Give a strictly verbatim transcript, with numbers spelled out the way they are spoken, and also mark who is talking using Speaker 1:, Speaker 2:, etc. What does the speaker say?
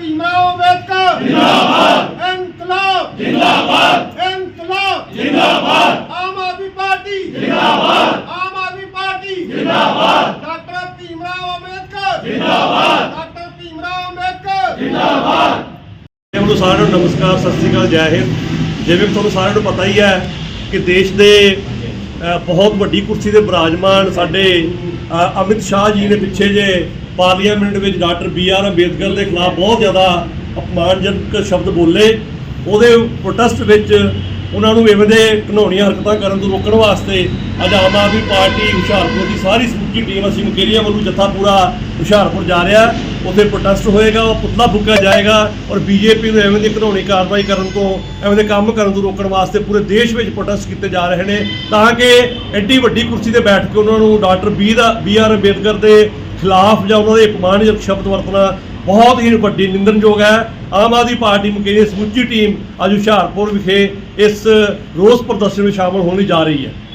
Speaker 1: भीमराव अम्बेडकर जिंदाबाद, इनकलाब जिंदाबाद, इनकलाब जिंदाबाद, आम आदमी पार्टी जिंदाबाद, आम आदमी पार्टी जिंदाबाद, डॉक्टर भीमराव अम्बेडकर जिंदाबाद, डॉक्टर भीमराव अम्बेडकर जिंदाबाद।
Speaker 2: ਤੁਹਾਨੂੰ ਸਾਰਿਆਂ ਨੂੰ ਨਮਸਕਾਰ, ਸਤਿ ਸ਼੍ਰੀ ਅਕਾਲ, ਜੈ ਹਿੰਦ। ਜਿਵੇਂ ਕਿ ਤੁਹਾਨੂੰ ਸਾਰਿਆਂ ਨੂੰ ਪਤਾ ਹੀ ਹੈ ਕਿ ਦੇਸ਼ ਦੇ ਬਹੁਤ ਵੱਡੀ ਕੁਰਸੀ ਦੇ ਵਿਰਾਜਮਾਨ ਸਾਡੇ ਅਮਿਤ ਸ਼ਾਹ ਜੀ ਨੇ ਪਿੱਛੇ ਜੇ ਪਾਰਲੀਮੈਂਟ ਵਿੱਚ ਡਾਕਟਰ ਬੀ ਆਰ ਅੰਬੇਦਕਰ ਦੇ ਖਿਲਾਫ ਬਹੁਤ ਜ਼ਿਆਦਾ ਅਪਮਾਨਜਨਕ ਸ਼ਬਦ ਬੋਲੇ। ਉਹਦੇ ਪ੍ਰੋਟੈਸਟ ਵਿੱਚ ਉਹਨਾਂ ਨੂੰ ਇਵੇਂ ਦੇ ਘਿਨਾਉਣੀਆਂ ਹਰਕਤਾਂ ਕਰਨ ਤੋਂ ਰੋਕਣ ਵਾਸਤੇ ਅੱਜ ਆਮ ਆਦਮੀ ਪਾਰਟੀ ਹੁਸ਼ਿਆਰਪੁਰ ਦੀ ਸਾਰੀ ਸਮੁੱਚੀ ਟੀਮ ਅਸੀਂ ਮੁਕੇਰੀਆਂ ਵੱਲੋਂ ਜੱਥਾ ਪੂਰਾ ਹੁਸ਼ਿਆਰਪੁਰ ਜਾ ਰਿਹਾ। ਉੱਥੇ ਪ੍ਰੋਟੈਸਟ ਹੋਏਗਾ, ਉਹ ਪੁਤਲਾ ਫੂਕਿਆ ਜਾਏਗਾ ਔਰ ਬੀਜੇਪੀ ਨੂੰ ਐਵੇਂ ਦੀ ਘਿਨਾਉਣੀ ਕਾਰਵਾਈ ਕਰਨ ਤੋਂ, ਐਵੇਂ ਦੇ ਕੰਮ ਕਰਨ ਤੋਂ ਰੋਕਣ ਵਾਸਤੇ ਪੂਰੇ ਦੇਸ਼ ਵਿੱਚ ਪ੍ਰੋਟੈਸਟ ਕੀਤੇ ਜਾ ਰਹੇ ਨੇ, ਤਾਂ ਕਿ ਐਡੀ ਵੱਡੀ ਕੁਰਸੀ ਤੇ ਬੈਠ ਕੇ ਉਹਨਾਂ ਨੂੰ ਡਾਕਟਰ ਬੀ ਦਾ ਬੀ ਆਰ ਅੰਬੇਦਕਰ ਦੇ ਖਿਲਾਫ ਜਾਂ ਉਹਨਾਂ ਦੇ ਅਪਮਾਨਜਨਕ ਸ਼ਬਦ ਵਰਤਣਾ ਬਹੁਤ ਹੀ ਵੱਡੀ ਨਿੰਦਣਯੋਗ ਹੈ। ਆਮ ਆਦਮੀ ਪਾਰਟੀ ਮੁਕੇਰੀ ਸਮੁੱਚੀ ਟੀਮ ਅੱਜ ਹੁਸ਼ਿਆਰਪੁਰ ਵਿਖੇ ਇਸ ਰੋਸ ਪ੍ਰਦਰਸ਼ਨ ਵਿੱਚ ਸ਼ਾਮਲ ਹੋਣ ਲਈ ਜਾ ਰਹੀ ਹੈ।